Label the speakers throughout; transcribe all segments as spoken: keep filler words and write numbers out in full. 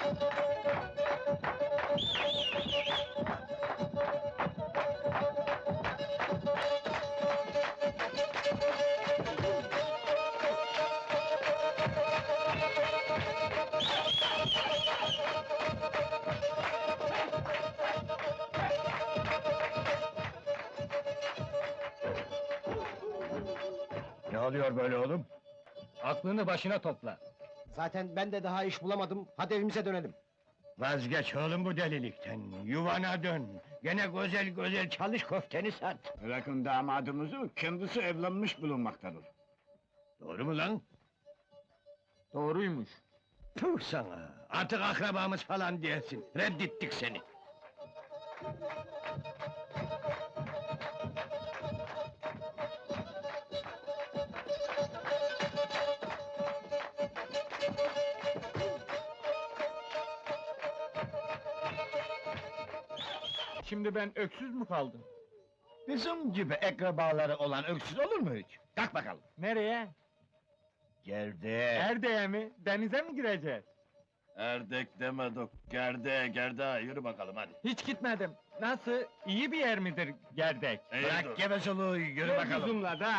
Speaker 1: Ne oluyor böyle oğlum?
Speaker 2: Aklını başına topla.
Speaker 3: Zaten ben de daha iş bulamadım, hadi evimize dönelim.
Speaker 1: Vazgeç oğlum bu delilikten, yuvana dön! Gene güzel güzel çalış, köfteni sat!
Speaker 4: Bırakın damadımızı, kendisi evlenmiş bulunmaktadır.
Speaker 1: Doğru mu lan?
Speaker 2: Doğruymuş.
Speaker 1: Puh sana! Artık akrabamız falan diyesin, reddettik seni!
Speaker 2: Şimdi ben öksüz mü kaldım?
Speaker 4: Bizim gibi akrabaları olan öksüz olur mu hiç? Kalk bakalım.
Speaker 2: Nereye?
Speaker 4: Gerde.
Speaker 2: Erde'ye mi? Denize mi gireceğiz?
Speaker 4: Erdek demedik, gerde, gerde, yürü bakalım hadi.
Speaker 2: Hiç gitmedim. Nasıl? İyi bir yer midir Gerdek?
Speaker 4: Bırak gevezeliği, yürü bakalım.
Speaker 2: Bizimle da!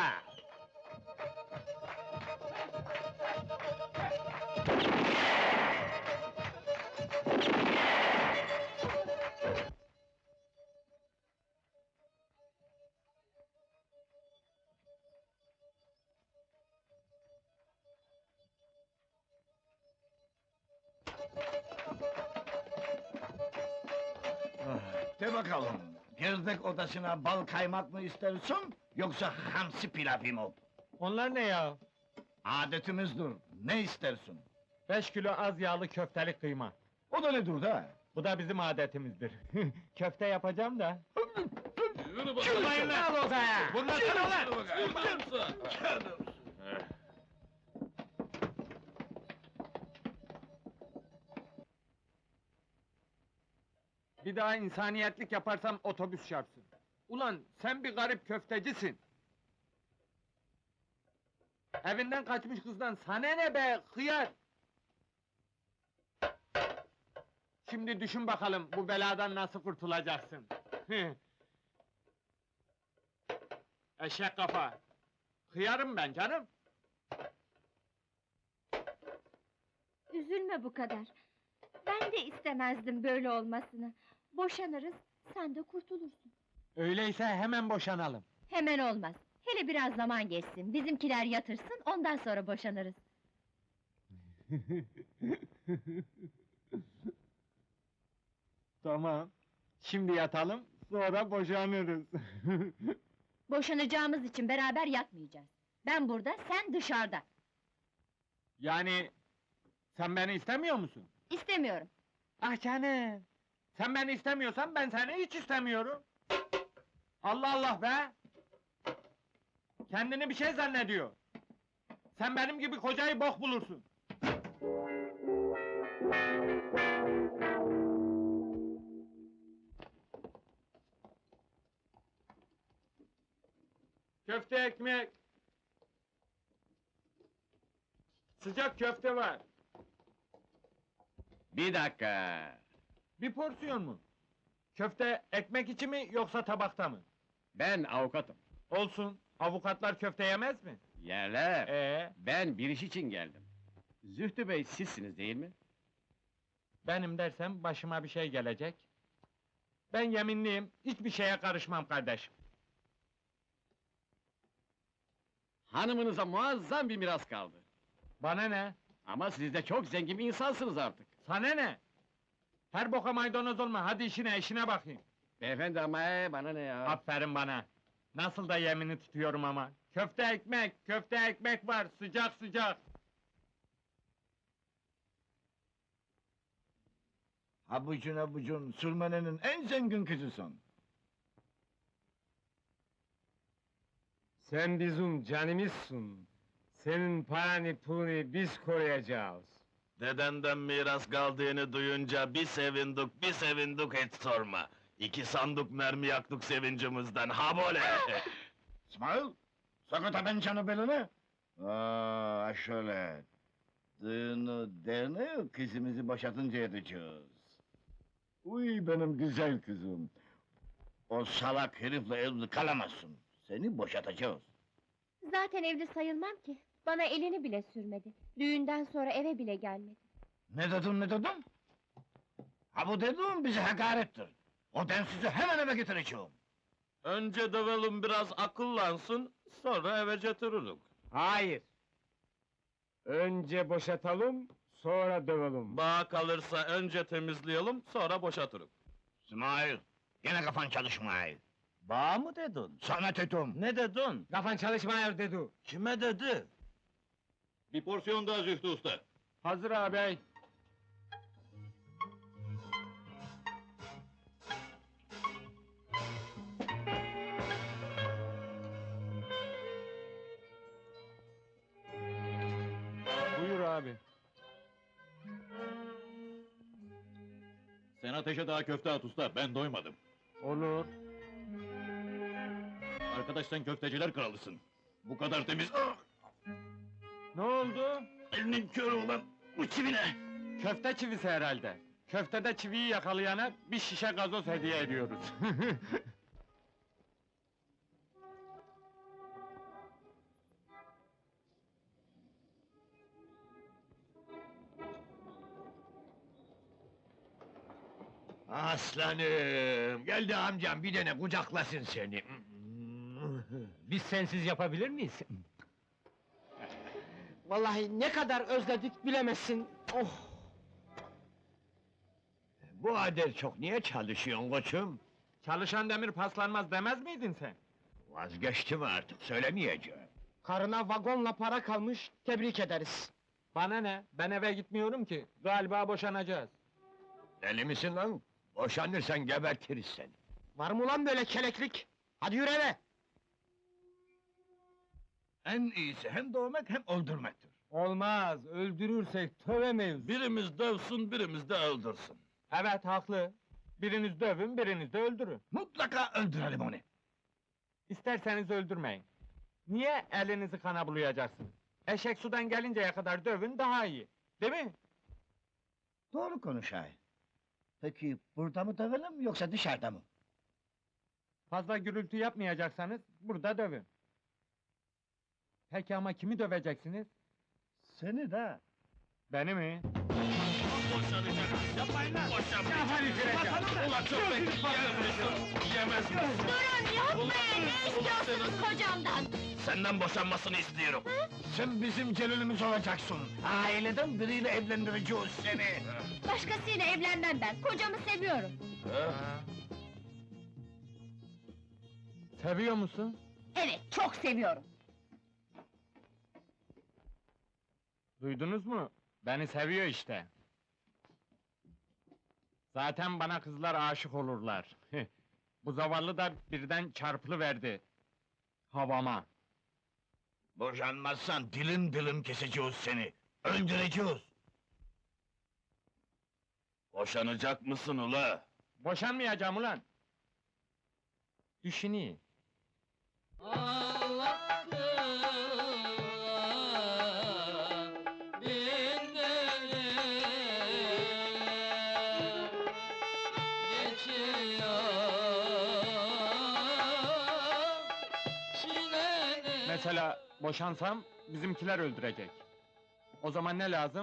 Speaker 4: De bakalım, gerdek odasına bal kaymak mı istersin, yoksa hamsi pilavı mı?
Speaker 2: Onlar ne ya?
Speaker 4: Adetimizdir, ne istersin?
Speaker 2: Beş kilo az yağlı köfteli kıyma.
Speaker 4: O da nedir da?
Speaker 2: Bu da bizim adetimizdir. Köfte yapacağım da.
Speaker 4: Çıkmayın lan odaya!
Speaker 2: Bunlasana lan! Bir daha insaniyetlik yaparsam otobüs çarpsın. Ulan sen bir garip köftecisin. Evinden kaçmış kızdan sana ne be hıyar! Şimdi düşün bakalım bu beladan nasıl kurtulacaksın. Eşek kafa! Hıyarım ben canım!
Speaker 5: Üzülme bu kadar. Ben de istemezdim böyle olmasını. Boşanırız, sen de kurtulursun.
Speaker 2: Öyleyse hemen boşanalım.
Speaker 5: Hemen olmaz. Hele biraz zaman geçsin, bizimkiler yatırsın, ondan sonra boşanırız.
Speaker 2: Tamam. Şimdi yatalım, sonra boşanırız.
Speaker 5: Boşanacağımız için beraber yatmayacağız. Ben burada, sen dışarıda.
Speaker 2: Yani... Sen beni istemiyor musun?
Speaker 5: İstemiyorum.
Speaker 2: Ah canım! Sen beni istemiyorsan ben seni hiç istemiyorum. Allah Allah be! Kendini bir şey zannediyor. Sen benim gibi kocayı bok bulursun. Köfte ekmek! Sıcak köfte var.
Speaker 4: Bir dakika!
Speaker 2: Bir porsiyon mu? Köfte ekmek içi mi yoksa tabakta mı?
Speaker 6: Ben avukatım.
Speaker 2: Olsun. Avukatlar köfte yemez mi?
Speaker 6: Yerler.
Speaker 2: Ee,
Speaker 6: Ben bir iş için geldim. Zühtü Bey sizsiniz değil mi?
Speaker 2: benim dersem başıma bir şey gelecek. Ben yeminliyim, hiçbir şeye karışmam kardeşim.
Speaker 6: Hanımınıza muazzam bir miras kaldı.
Speaker 2: Bana ne?
Speaker 6: Ama siz de çok zengin bir insansınız artık.
Speaker 2: Sana ne? Her boka maydanoz olma, hadi işine, işine bakayım.
Speaker 6: Beyefendi ama ee, bana ne ya?
Speaker 2: Aferin bana! Nasıl da yemini tutuyorum ama! Köfte ekmek, köfte ekmek var, sıcak sıcak!
Speaker 4: Habucun habucun, sürmenenin en zengin kızısın.
Speaker 7: Sen bizim canımızsın. Senin paranı pulunu biz koruyacağız.
Speaker 8: Dedenden miras kaldığını duyunca bir sevindik, bir sevindik hiç sorma. İki sandık mermi yaktık sevincimizden, ha böyle!
Speaker 4: İsmail, sakata ben canı beline. Aa, şöyle. Düğünü derneği kızımızı boşatınca edeceğiz. Uy benim güzel kızım. O salak herifle evli kalamazsın. Seni boşatacağız.
Speaker 5: Zaten evli sayılmam ki. Bana elini bile sürmedi. Düğünden sonra eve bile gelmedi.
Speaker 4: Ne dedin ne dedin? Ha bu dediğin bize hakarettir. O densizi hemen eve getireceğim.
Speaker 8: Önce dövelim biraz akıllansın, sonra eve götürürük.
Speaker 7: Hayır. Önce boşatalım, sonra dövelim.
Speaker 8: Bağ kalırsa önce temizleyelim, sonra boşatırık.
Speaker 4: İsmail, yine kafan çalışmıyor.
Speaker 8: Bağ mı dedin?
Speaker 4: Sana dedim.
Speaker 8: Ne dedin?
Speaker 7: Kafan çalışmıyor dedi.
Speaker 8: Kime dedi? Bir porsiyon daha Zühtü Usta.
Speaker 2: Hazır ağabey. Buyur abi.
Speaker 8: Sen ateşe daha köfte at usta, ben doymadım.
Speaker 2: Olur.
Speaker 8: Arkadaş sen köfteciler kralısın. Bu kadar temiz... Ah!
Speaker 2: Ne oldu?
Speaker 8: Elinin körü olan bu çivine!
Speaker 2: Köfte çivisi herhalde. Köftede çiviyi yakalayana bir şişe gazoz hediye ediyoruz.
Speaker 1: Aslanım! Geldi amcam, bir dene kucaklasın seni.
Speaker 3: Biz sensiz yapabilir miyiz? Vallahi ne kadar özledik bilemezsin. Oh!
Speaker 1: Bu kadar çok niye çalışıyorsun koçum?
Speaker 2: Çalışan demir paslanmaz demez miydin sen?
Speaker 1: Vazgeçtim artık, söylemeyeceğim.
Speaker 3: Karına vagonla para kalmış, tebrik ederiz.
Speaker 2: Bana ne? Ben eve gitmiyorum ki. Galiba boşanacağız.
Speaker 1: Deli misin lan? Boşanırsan gebertiriz seni.
Speaker 3: Var mı lan böyle keleklik? Hadi yürü eve!
Speaker 4: En iyisi hem dövmek hem öldürmektir.
Speaker 2: Olmaz, öldürürsek tövemeyiz.
Speaker 8: Birimiz dövsün, birimiz de öldürsün.
Speaker 2: Evet, haklı. Biriniz dövün, biriniz de öldürün.
Speaker 4: Mutlaka öldürelim onu.
Speaker 2: İsterseniz öldürmeyin. Niye elinizi kana bulayacaksınız? Eşek sudan gelinceye kadar dövün daha iyi. Değil mi?
Speaker 4: Doğru konuş ay. Peki burada mı dövelim yoksa dışarıda mı?
Speaker 2: Fazla gürültü yapmayacaksanız burada dövün. Peki ama kimi döveceksiniz?
Speaker 4: Seni de.
Speaker 2: Beni mi?
Speaker 8: Boşanacak! Yapmayın lan! Boşanmayacak! Ulan çok bekli, yemez misin?
Speaker 5: Durun, yapmayın! Ne istiyorsunuz kocamdan?
Speaker 8: Senden boşanmasını istiyorum.
Speaker 4: Sen bizim Celil'imiz olacaksın. Aileden biriyle evlendireceğiz seni.
Speaker 5: Başkasıyla evlenmem ben, kocamı seviyorum.
Speaker 2: Seviyor musun?
Speaker 5: Evet, çok seviyorum.
Speaker 2: Duydunuz mu? Beni seviyor işte. Zaten bana kızlar aşık olurlar. Bu zavallı da birden çarpılıverdi. Havama.
Speaker 4: Boşanmazsan dilim dilim keseceğiz seni. Öldüreceğiz.
Speaker 8: Boşanacak mısın ula?
Speaker 2: Boşanmayacağım ulan! Düşüneyim. Mesela boşansam bizimkiler öldürecek. O zaman ne lazım?